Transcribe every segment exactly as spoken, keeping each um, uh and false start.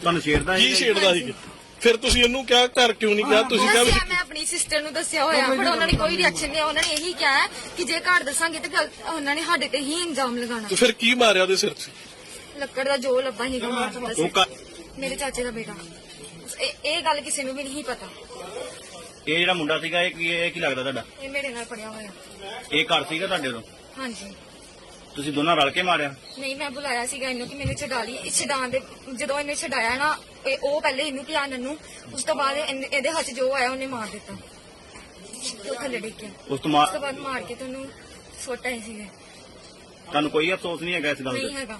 ਤੁਹਾਨੂੰ ਛੇੜਦਾ ਕੀ ਛੇੜਦਾ ਸੀ? ਫਿਰ ਤੁਸੀਂ ਇਹਨੂੰ ਕਿਹਾ ਘਰ ਕਿਉਂ ਨਹੀਂ ਗਿਆ? ਤੁਸੀਂ ਕਿਹਾ ਵੀ ਮੈਂ ਆਪਣੀ ਸਿਸਟਰ ਨੂੰ ਦੱਸਿਆ ਹੋਇਆ, ਪਰ ਉਹਨਾਂ ਨੇ ਕੋਈ ਰਿਐਕਸ਼ਨ ਨਹੀਂ। ਉਹਨਾਂ ਨੇ ਇਹੀ ਕਿਹਾ ਕਿ ਜੇ ਘਰ ਦੱਸਾਂਗੇ ਤੇ ਗੱਲ- ਉਹਨਾਂ ਨੇ ਸਾਡੇ ਤੇ ਹੀ ਇਲਜ਼ਾਮ ਲਗਾਉਣਾ। ਤੇ ਫਿਰ ਕੀ ਮਾਰਿਆ ਉਹਦੇ ਸਿਰ 'ਚ? ਲੱਕੜ ਦਾ ਜੋ ਲੱਭਾ ਹੀ ਗਮਾ ਉਹ ਘਰ- ਮੇਰੇ ਚਾਚੇ ਦਾ ਬੇਟਾ। ਇਹ ਇਹ ਗੱਲ ਕਿਸੇ ਨੂੰ ਵੀ ਨਹੀਂ ਪਤਾ। ਇਹ ਜਿਹੜਾ ਮੁੰਡਾ ਸੀਗਾ ਇਹ ਕੀ ਇਹ ਕੀ ਲੱਗਦਾ ਤੁਹਾਡਾ? ਇਹ ਮੇਰੇ ਨਾਲ ਪੜਿਆ ਹੋਇਆ। ਇਹ ਘਰ ਸੀਗਾ ਤੁਹਾਡੇ ਤੋਂ? ਹਾਂਜੀ। ਤੁਸੀਂ ਦੋਨਾਂ ਰਲ ਕੇ ਮਾਰਿਆ? ਨਹੀਂ, ਮੈਂ ਬੁਲਾਇਆ ਸੀਗਾ ਇਹਨੂੰ ਕਿ ਮੈਨੂੰ ਛਡਾ ਲਈ। ਛਡਾਉਣ ਦੇ ਜਦੋਂ ਇਹਨੇ ਛਡਾਇਆ ਨਾ, ਇਹ ਉਹ ਪਹਿਲੇ ਇਹਨੂੰ ਧਿਆਨ ਨੂੰ, ਉਸ ਤੋਂ ਬਾਅਦ ਇਹਨੇ- ਇਹਦੇ ਹੱਥ 'ਚ ਜੋ ਆਇਆ ਉਹਨੇ ਮਾਰ ਦਿੱਤਾ। ਤੇ ਉਹ ਥੱਲੇ ਡਿੱਗ ਗਿਆ। ਉਸ ਤੋਂ ਉਸ ਬਾਅਦ ਤੋਂ ਬਾਅਦ ਮਾਰ ਕੇ ਤੁਹਾਨੂੰ ਸੁੱਟ ਆਏ ਸੀਗੇ। ਤੁਹਾਨੂੰ ਕੋਈ ਅਫਸੋਸ ਨਹੀਂ ਹੈਗਾ ਇਸ ਗੱਲ ਨਹੀਂ ਦਾ? ਹੈਗਾ।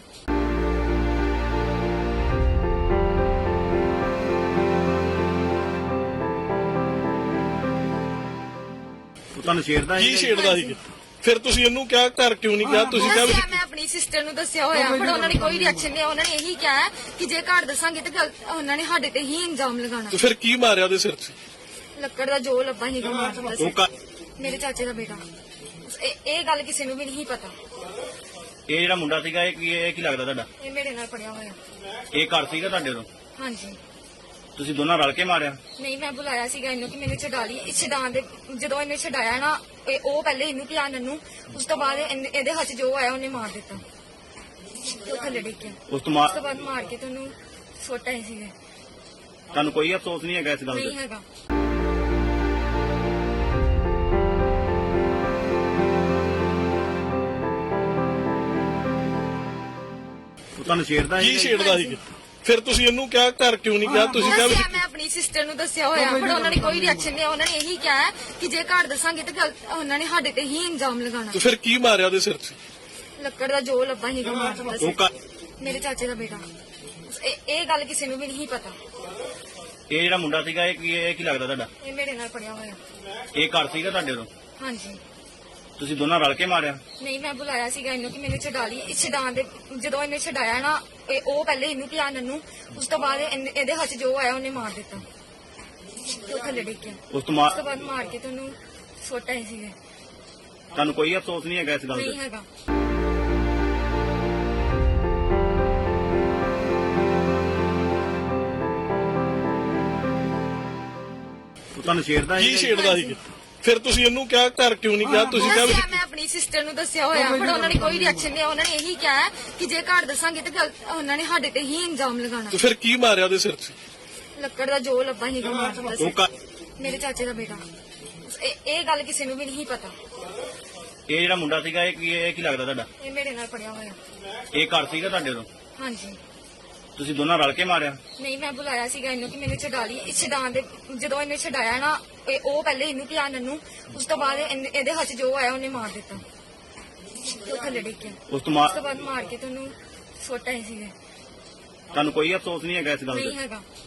ਉਹ ਤੁਹਾਨੂੰ ਛੇੜਦਾ ਕੀ ਛੇੜਦਾ ਸੀ? ਫਿਰ ਤੁਸੀਂ ਇਹਨੂੰ ਕਿਹਾ ਘਰ ਕਿਉਂ ਨਹੀਂ ਗਿਆ? ਤੁਸੀਂ ਕਿਹਾ ਵੀ ਮੈਂ ਆਪਣੀ ਸਿਸਟਰ ਨੂੰ ਦੱਸਿਆ ਹੋਇਆ, ਪਰ ਉਹਨਾਂ ਨੇ ਕੋਈ ਰਿਐਕਸ਼ਨ ਨਹੀਂ। ਉਹਨਾਂ ਨੇ ਇਹੀ ਕਿਹਾ ਕਿ ਜੇ ਘਰ ਦੱਸਾਂਗੇ ਤੇ ਗੱਲ- ਉਹਨਾਂ ਨੇ ਸਾਡੇ ਤੇ ਹੀ ਇਲਜ਼ਾਮ ਲਗਾਉਣਾ। ਤੇ ਫਿਰ ਕੀ ਮਾਰਿਆ ਉਹਦੇ ਸਿਰ 'ਚ? ਲੱਕੜ ਦਾ ਜੋ ਲੱਭਾ ਹੀ ਗਮਾ ਉਹ ਘਰ- ਮੇਰੇ ਚਾਚੇ ਦਾ ਬੇਟਾ। ਇਹ ਇਹ ਗੱਲ ਕਿਸੇ ਨੂੰ ਵੀ ਨਹੀਂ ਪਤਾ। ਇਹ ਜਿਹੜਾ ਮੁੰਡਾ ਸੀਗਾ ਇਹ ਕੀ ਇਹ ਕੀ ਲੱਗਦਾ ਤੁਹਾਡਾ? ਇਹ ਮੇਰੇ ਨਾਲ ਪੜਿਆ ਹੋਇਆ। ਇਹ ਘਰ ਸੀਗਾ ਤੁਹਾਡੇ ਤੋਂ? ਹਾਂਜੀ। ਤੁਸੀਂ ਦੋਨਾਂ ਰਲ ਕੇ ਮਾਰਿਆ? ਨਹੀਂ, ਮੈਂ ਬੁਲਾਇਆ ਸੀਗਾ ਇਹਨੂੰ ਕਿ ਮੈਨੂੰ ਛਡਾ ਲਈ। ਛਡਾਉਣ ਦੇ ਜਦੋਂ ਇਹਨੇ ਛਡਾਇਆ ਨਾ, ਇਹ ਉਹ ਪਹਿਲੇ ਇਹਨੂੰ ਧਿਆਨ ਨੂੰ, ਉਸ ਤੋਂ ਬਾਅਦ ਇਹਨੇ- ਇਹਦੇ ਹੱਥ 'ਚ ਜੋ ਆਇਆ ਉਹਨੇ ਮਾਰ ਦਿੱਤਾ। ਤੇ ਉਹ ਥੱਲੇ ਡਿੱਗ ਗਿਆ। ਉਸ ਤੋਂ ਉਸ ਤੋਂ ਬਾਅਦ ਬਾਅਦ ਮਾਰ ਕੇ ਤੁਹਾਨੂੰ ਸੁੱਟ ਆਏ ਸੀਗੇ। ਤੁਹਾਨੂੰ ਕੋਈ ਅਫਸੋਸ ਨਹੀਂ ਹੈਗਾ ਇਸ ਗੱਲ ਨਹੀਂ ਦਾ? ਹੈਗਾ। ਉਹ ਤੁਹਾਨੂੰ ਛੇੜਦਾ ਕੀ ਛੇੜਦਾ ਸੀ? ਫਿਰ ਤੁਸੀਂ ਇਹਨੂੰ ਕਿਹਾ ਘਰ ਕਿਉਂ ਨਹੀਂ ਗਿਆ? ਤੁਸੀਂ ਕਿਹਾ ਵੀ ਮੈਂ ਆਪਣੀ ਸਿਸਟਰ ਨੂੰ ਦੱਸਿਆ ਹੋਇਆ, ਪਰ ਉਹਨਾਂ ਨੇ ਕੋਈ ਰਿਐਕਸ਼ਨ ਨਹੀਂ। ਉਹਨਾਂ ਨੇ ਇਹੀ ਕਿਹਾ ਕਿ ਜੇ ਘਰ ਦੱਸਾਂਗੇ ਤੇ ਗੱਲ- ਉਹਨਾਂ ਨੇ ਸਾਡੇ ਤੇ ਹੀ ਇਲਜ਼ਾਮ ਲਗਾਉਣਾ। ਤੇ ਫਿਰ ਕੀ ਮਾਰਿਆ ਉਹਦੇ ਸਿਰ 'ਚ? ਲੱਕੜ ਦਾ ਜੋ ਲੱਭਾ ਹੀ ਗਮਾ ਉਹ ਘਰ- ਮੇਰੇ ਚਾਚੇ ਦਾ ਬੇਟਾ। ਇਹ ਇਹ ਗੱਲ ਕਿਸੇ ਨੂੰ ਵੀ ਨਹੀਂ ਪਤਾ। ਇਹ ਜਿਹੜਾ ਮੁੰਡਾ ਸੀਗਾ ਇਹ ਕੀ ਇਹ ਕੀ ਲੱਗਦਾ ਤੁਹਾਡਾ? ਇਹ ਮੇਰੇ ਨਾਲ ਪੜਿਆ ਹੋਇਆ। ਇਹ ਘਰ ਸੀਗਾ ਤੁਹਾਡੇ ਤੋਂ? ਹਾਂਜੀ। ਤੁਸੀਂ ਦੋਨਾਂ ਰਲ ਕੇ ਮਾਰਿਆ? ਨਹੀਂ, ਮੈਂ ਬੁਲਾਇਆ ਸੀਗਾ ਇਹਨੂੰ ਕਿ ਮੈਨੂੰ ਛਡਾ ਲਈ। ਛਡਾਉਣ ਦੇ ਜਦੋਂ ਇਹਨੇ ਛਡਾਇਆ ਨਾ, ਇਹ ਉਹ ਪਹਿਲੇ ਇਹਨੂੰ ਧਿਆਨ ਨੂੰ, ਉਸ ਤੋਂ ਬਾਅਦ ਇਹਨੇ- ਇਹਦੇ ਹੱਥ 'ਚ ਜੋ ਆਇਆ ਉਹਨੇ ਮਾਰ ਦਿੱਤਾ। ਤੇ ਉਹ ਥੱਲੇ ਡਿੱਗ ਗਿਆ। ਉਸ ਤੋਂ ਉਸ ਤੋਂ ਬਾਅਦ ਬਾਅਦ ਮਾਰ ਕੇ ਤੁਹਾਨੂੰ ਸੁੱਟ ਆਏ ਸੀਗੇ। ਤੁਹਾਨੂੰ ਕੋਈ ਅਫਸੋਸ ਨਹੀਂ ਹੈਗਾ ਇਸ ਗੱਲ ਨਹੀਂ ਦਾ? ਹੈਗਾ। ਉਹ ਤੁਹਾਨੂੰ ਛੇੜਦਾ ਕੀ ਛੇੜਦਾ ਸੀ? ਫਿਰ ਤੁਸੀਂ ਇਹਨੂੰ ਕਿਹਾ ਘਰ ਕਿਉਂ ਨਹੀਂ ਗਿਆ? ਤੁਸੀਂ ਕਿਹਾ ਵੀ ਮੈਂ ਆਪਣੀ ਸਿਸਟਰ ਨੂੰ ਦੱਸਿਆ ਹੋਇਆ, ਪਰ ਉਹਨਾਂ ਨੇ ਕੋਈ ਰਿਐਕਸ਼ਨ ਨਹੀਂ। ਉਹਨਾਂ ਨੇ ਇਹੀ ਕਿਹਾ ਕਿ ਜੇ ਘਰ ਦੱਸਾਂਗੇ ਤੇ ਗੱਲ- ਉਹਨਾਂ ਨੇ ਸਾਡੇ ਤੇ ਹੀ ਇਲਜ਼ਾਮ ਲਗਾਉਣਾ। ਤੇ ਫਿਰ ਕੀ ਮਾਰਿਆ ਉਹਦੇ ਸਿਰ 'ਚ? ਲੱਕੜ ਦਾ ਜੋ ਲੱਭਾ ਹੀ ਗਮਾ ਉਹ ਘਰ- ਮੇਰੇ ਚਾਚੇ ਦਾ ਬੇਟਾ। ਇਹ ਇਹ ਗੱਲ ਕਿਸੇ ਨੂੰ ਵੀ ਨਹੀਂ ਪਤਾ। ਇਹ ਜਿਹੜਾ ਮੁੰਡਾ ਸੀਗਾ ਇਹ ਕੀ ਇਹ ਕੀ ਲੱਗਦਾ ਤੁਹਾਡਾ? ਇਹ ਮੇਰੇ ਨਾਲ ਪੜਿਆ ਹੋਇਆ। ਇਹ ਘਰ ਸੀਗਾ ਤੁਹਾਡੇ ਤੋਂ? ਹਾਂਜੀ। ਤੁਸੀਂ ਦੋਨਾਂ ਰਲ ਕੇ ਮਾਰਿਆ? ਨਹੀਂ, ਮੈਂ ਬੁਲਾਇਆ ਸੀਗਾ ਇਹਨੂੰ ਕਿ ਮੈਨੂੰ ਛਡਾ ਲਈ। ਛਡਾਉਣ ਦੇ ਜਦੋਂ ਇਹਨੇ ਛਡਾਇਆ ਨਾ, ਇਹ ਉਹ ਪਹਿਲੇ ਇਹਨੂੰ ਧਿਆਨ ਨੂੰ, ਉਸ ਤੋਂ ਬਾਅਦ ਇਹਨੇ- ਇਹਦੇ ਹੱਥ 'ਚ ਜੋ ਆਇਆ ਉਹਨੇ ਮਾਰ ਦਿੱਤਾ। ਤੇ ਉਹ ਥੱਲੇ ਡਿੱਗ ਗਿਆ। ਉਸ ਤੋਂ ਉਸ ਤੋਂ ਬਾਅਦ ਬਾਅਦ ਮਾਰ ਕੇ ਤੁਹਾਨੂੰ ਸੁੱਟ ਆਏ ਸੀਗੇ। ਤੁਹਾਨੂੰ ਕੋਈ ਅਫਸੋਸ ਨਹੀਂ ਹੈਗਾ ਇਸ ਗੱਲ ਦਾ? ਨਹੀਂ ਹੈਗਾ।